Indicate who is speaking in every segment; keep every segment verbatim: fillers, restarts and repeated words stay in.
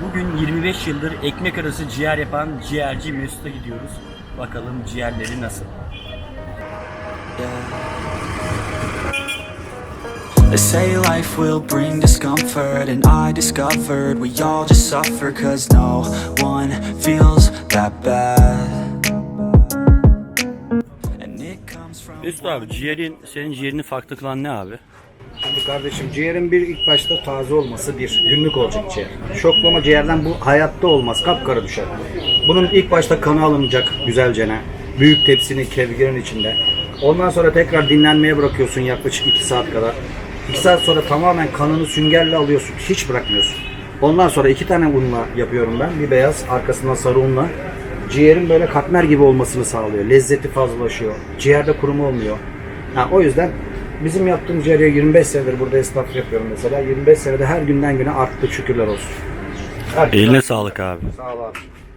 Speaker 1: Bugün yirmi beş yıldır ekmek arası ciğer yapan ciğerci Mesut'a gidiyoruz. Bakalım ciğerleri nasıl?
Speaker 2: They say life will bring discomfort, and I discovered we all just suffer, cause no one feels that bad. And it comes from
Speaker 1: Mesut abi, ciğerin, senin ciğerini farklı kılan ne abi?
Speaker 3: Şimdi kardeşim, ciğerin bir ilk başta taze olması, bir günlük olacak ciğer. Şoklama ciğerden bu hayatta olmaz, kapkara düşer. Bunun ilk başta kanı alınacak güzelcene, büyük tepsinin, kevgirin içinde. Ondan sonra tekrar dinlenmeye bırakıyorsun yaklaşık iki saat kadar. iki saat sonra tamamen kanını süngerle alıyorsun, hiç bırakmıyorsun. Ondan sonra iki tane unla yapıyorum ben, bir beyaz, arkasından sarı unla. Ciğerin böyle katmer gibi olmasını sağlıyor, lezzeti fazlalaşıyor, ciğerde kuruma olmuyor. Ha, o yüzden bizim yaptığımız ciğere yirmi beş senedir burada esnaf yapıyorum mesela. yirmi beş senede her günden güne arttı, şükürler olsun. Her
Speaker 1: Eline
Speaker 3: gün-
Speaker 1: sağlık abi.
Speaker 3: Sağ ol abi.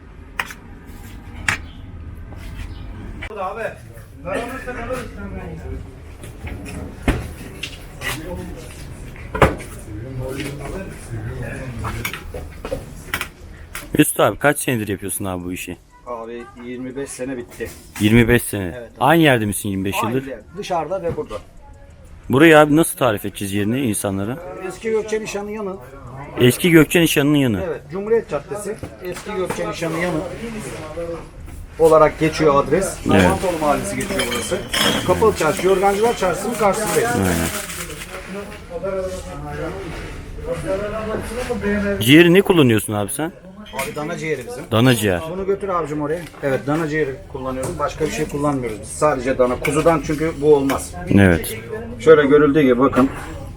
Speaker 1: Mesut abi, kaç senedir yapıyorsun abi bu işi?
Speaker 3: Abi yirmi beş sene bitti.
Speaker 1: yirmi beş sene.
Speaker 3: Evet.
Speaker 1: Aynı yerde misin yirmi beş yıldır?
Speaker 3: Aynı yer, dışarıda ve burada.
Speaker 1: Burayı abi nasıl tarif edeceğiz yerini insanlara?
Speaker 3: Eski Gökçe Nişanı yanı.
Speaker 1: Eski Gökçe Nişanı'nın yanı.
Speaker 3: Evet, Cumhuriyet Caddesi. Eski Gökçe Nişanı yanı olarak geçiyor adres.
Speaker 1: Evet.
Speaker 3: Namantolu Mahallesi geçiyor burası. Kapalı Çarşı, Yorgancılar Çarşısı'nın karşısındayız.
Speaker 1: Aynen. Ciğeri ne kullanıyorsun abi sen?
Speaker 3: Abi dana ciğeri bizim.
Speaker 1: Dana ciğer.
Speaker 3: Bunu götür abicim oraya. Evet, dana ciğeri kullanıyorum. Başka bir şey kullanmıyoruz biz. Sadece dana. Kuzudan çünkü bu olmaz.
Speaker 1: Evet.
Speaker 3: Şöyle görüldüğü gibi bakın.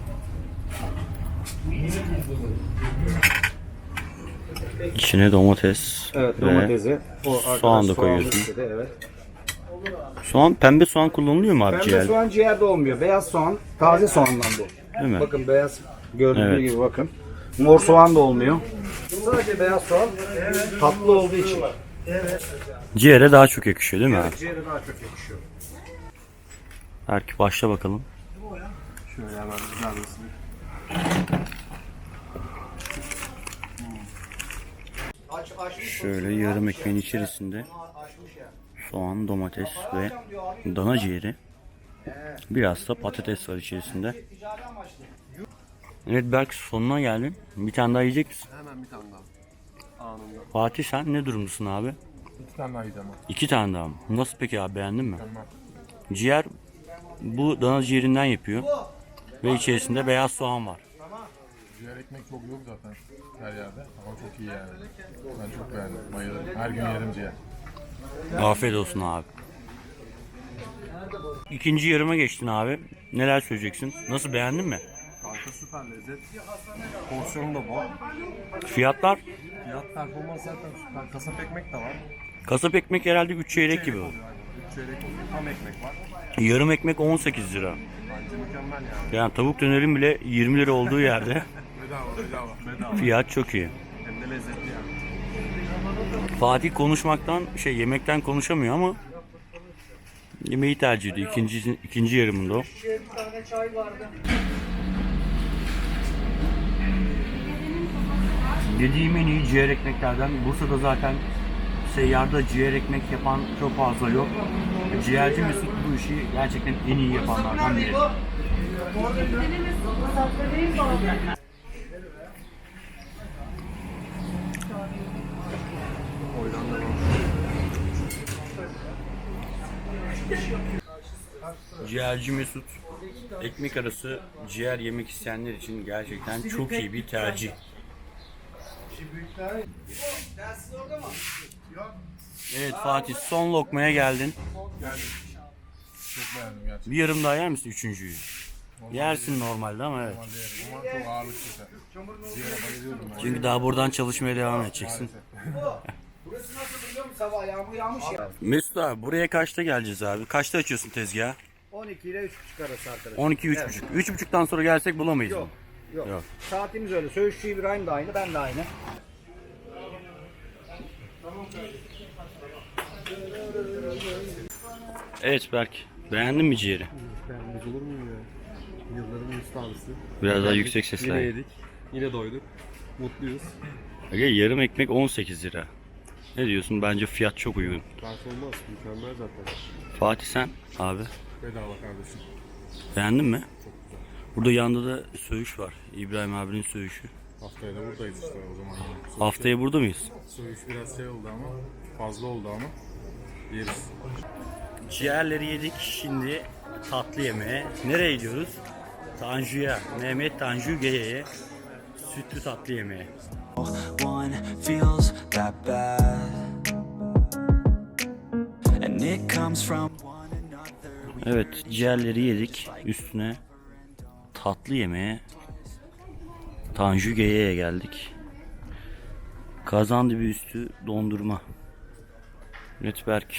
Speaker 1: İçine domates
Speaker 3: Evet,
Speaker 1: ve
Speaker 3: domatesi. O arkadaş
Speaker 1: soğan da
Speaker 3: soğanlı
Speaker 1: koyuyorsun.
Speaker 3: istedi, evet.
Speaker 1: soğan, pembe soğan kullanılıyor mu abi
Speaker 3: Pembe
Speaker 1: ciğerde?
Speaker 3: soğan ciğerde olmuyor. Beyaz soğan, taze soğandan bu.
Speaker 1: Değil mi?
Speaker 3: Bakın beyaz gördüğünüz
Speaker 1: Evet.
Speaker 3: gibi bakın. Mor soğan da olmuyor. Sadece beyaz soğan tatlı olduğu için.
Speaker 1: Ciğere daha çok yakışıyor değil mi abi?
Speaker 3: Ciğere daha çok yakışıyor.
Speaker 1: Belki başla bakalım.
Speaker 3: Şöyle hemen güzel bir Aç, açmış.
Speaker 1: Şöyle yarım ekmeğin içerisinde soğan, domates ve dana ciğeri. Biraz da patates var içerisinde. Evet Berk, sonuna geldin. Bir tane daha yiyecek misin?
Speaker 4: Hemen bir tane daha. Anında.
Speaker 1: Fatih, sen ne durumdasın abi?
Speaker 4: İki tane daha yiyeceğim.
Speaker 1: İki tane daha mı? Nasıl peki abi, beğendin mi?
Speaker 4: Tamam.
Speaker 1: Ciğer bu dana ciğerinden yapıyor. Ve içerisinde beyaz soğan var.
Speaker 4: Ciğer ekmek çok yok zaten her yerde ama çok iyi yani. Ben çok beğendim. Bayılırım. Her gün yerim ciğer.
Speaker 1: Afiyet olsun abi. İkinci yarıma geçtin abi. Neler söyleyeceksin? Nasıl, beğendin mi?
Speaker 4: Kanka süper lezzet. Porsiyonu da bol.
Speaker 1: Fiyatlar?
Speaker 4: Fiyat performans zaten süper. Kasap ekmek de var.
Speaker 1: Kasap ekmek herhalde üç çeyrek gibi.
Speaker 4: oluyor yani. Üç çeyrek oluyor. Tam ekmek var.
Speaker 1: Yarım ekmek on sekiz lira.
Speaker 4: Bence mükemmel yani.
Speaker 1: Yani tavuk dönerin bile yirmi lira olduğu yerde
Speaker 4: Bedava bedava. Bedava.
Speaker 1: fiyat çok iyi.
Speaker 4: Hem de lezzetli yani.
Speaker 1: Fatih konuşmaktan, şey yemekten konuşamıyor ama yemeği tercih ediyor. İkinci, ikinci yarımında o. Yediğim en iyi ciğer ekmeklerden. Bursa'da zaten seyyarda ciğer ekmek yapan çok fazla yok. Ciğerci Mesut bu işi gerçekten en iyi yapanlardan biri. Ciğerci Mesut ekmek arası ciğer yemek isteyenler için gerçekten çok iyi bir tercih. Evet Fatih, son lokmaya geldin.
Speaker 4: Çok beğendim gerçekten.
Speaker 1: Bir yarım daha yer misin üçüncüyü? Yersin normalde ama evet.
Speaker 4: Normalde yerim ama çok ağırlık yeter. Ciğere bayılıyorum ben.
Speaker 1: Çünkü daha buradan çalışmaya devam edeceksin.
Speaker 3: Burası nasıl biliyor musun? Sabah yağmur yağmış ya.
Speaker 1: Mesut abi, buraya kaçta geleceğiz abi? Kaçta açıyorsun tezgahı?
Speaker 3: on iki ile üç buçuk arası arkadaşlar.
Speaker 1: on iki üç buçuk. üç buçuktan sonra gelsek bulamayız mı?
Speaker 3: Yok. Yok.
Speaker 1: Yok.
Speaker 3: Saatimiz öyle. Söğüşçü İbrahim de aynı, ben de aynı.
Speaker 1: Evet Berk, beğendin mi ciğeri?
Speaker 4: Beğenmez olur mu ya? Yılların ustası.
Speaker 1: Biraz daha yüksek
Speaker 4: Yine
Speaker 1: sesle.
Speaker 4: yedik. Yine doyduk. Mutluyuz.
Speaker 1: Aga, yarım ekmek on sekiz lira. Ne diyorsun? Bence fiyat çok uygun.
Speaker 4: Performans mükemmel zaten.
Speaker 1: Fatih sen abi
Speaker 4: Bedava kardeşim.
Speaker 1: beğendin mi?
Speaker 4: Çok güzel.
Speaker 1: Burada yanında da söğüş var. İbrahim abinin söğüşü.
Speaker 4: Haftaya da buradayız işte o zaman. Yine.
Speaker 1: Haftaya burada mıyız?
Speaker 4: Söğüş biraz şey oldu ama fazla oldu ama yeriz.
Speaker 1: Ciğerleri yedik. Şimdi tatlı yemeğe. Nereye gidiyoruz? Tanju'ya. Mehmet Tanju Geye'ye. Sütlü tatlı yemeğe.
Speaker 2: one feels that bad, and it comes from one another. We
Speaker 1: Evet, ciğerleri yedik. Üstüne tatlı yemeğe Tanju Geye'ye geldik. Kazandibi üstü dondurma. Netberk.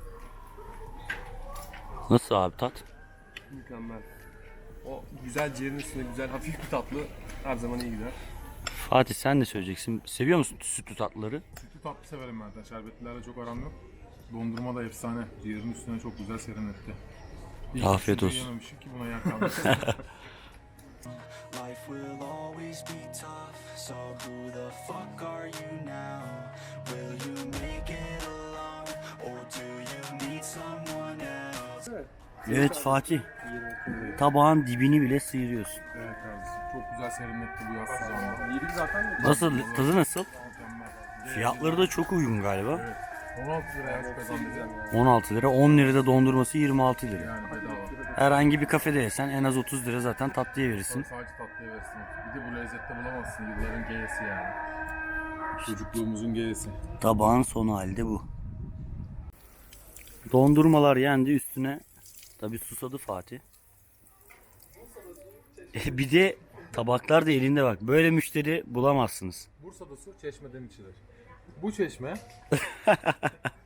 Speaker 1: Nasıl abi tat?
Speaker 5: Mükemmel. O güzel ciğerin üstünde güzel hafif bir tatlı her zaman iyi gider.
Speaker 1: Fatih sen ne söyleyeceksin? Seviyor musun sütlü tatlıları?
Speaker 4: Sütlü tatlı severim ben de. Şerbetlilerle çok aram yok. Dondurma da efsane. Ciğerin üstüne çok güzel serinletti. İyi ki
Speaker 1: Afiyet
Speaker 4: şimdi
Speaker 1: olsun.
Speaker 4: yememişim ki buna yer kalmış.
Speaker 2: Life will always be tough, so who the fuck are you now? Will you make it alone, or do you need someone else?
Speaker 1: Evet Fatih. Tabağın dibini bile sıyırıyorsun.
Speaker 4: Evet kardeşim. Çok güzel serinletti bu yaz sıcağında.
Speaker 5: Yedik zaten de.
Speaker 1: Nasıl? Tadı nasıl?
Speaker 4: Mükemmel.
Speaker 1: Fiyatları da çok uygun galiba.
Speaker 4: Evet. on altı liraya kazandı.
Speaker 1: on altı lira. on lirada dondurması yirmi altı lira.
Speaker 4: Yani bedava.
Speaker 1: Herhangi bir kafede yesen en az otuz lira zaten tatlıya verirsin.
Speaker 4: Sadece tatlıya versin. Bir de bu lezzette bulamazsın. Yılların geyesi yani. Çocukluğumuzun geyesi.
Speaker 1: Tabağın sonu halde bu. Dondurmalar yendi, üstüne tabi susadı Fatih. E bir de tabaklar da elinde bak. Böyle müşteri bulamazsınız.
Speaker 4: Bursa'da su çeşmeden içilir. Bu çeşme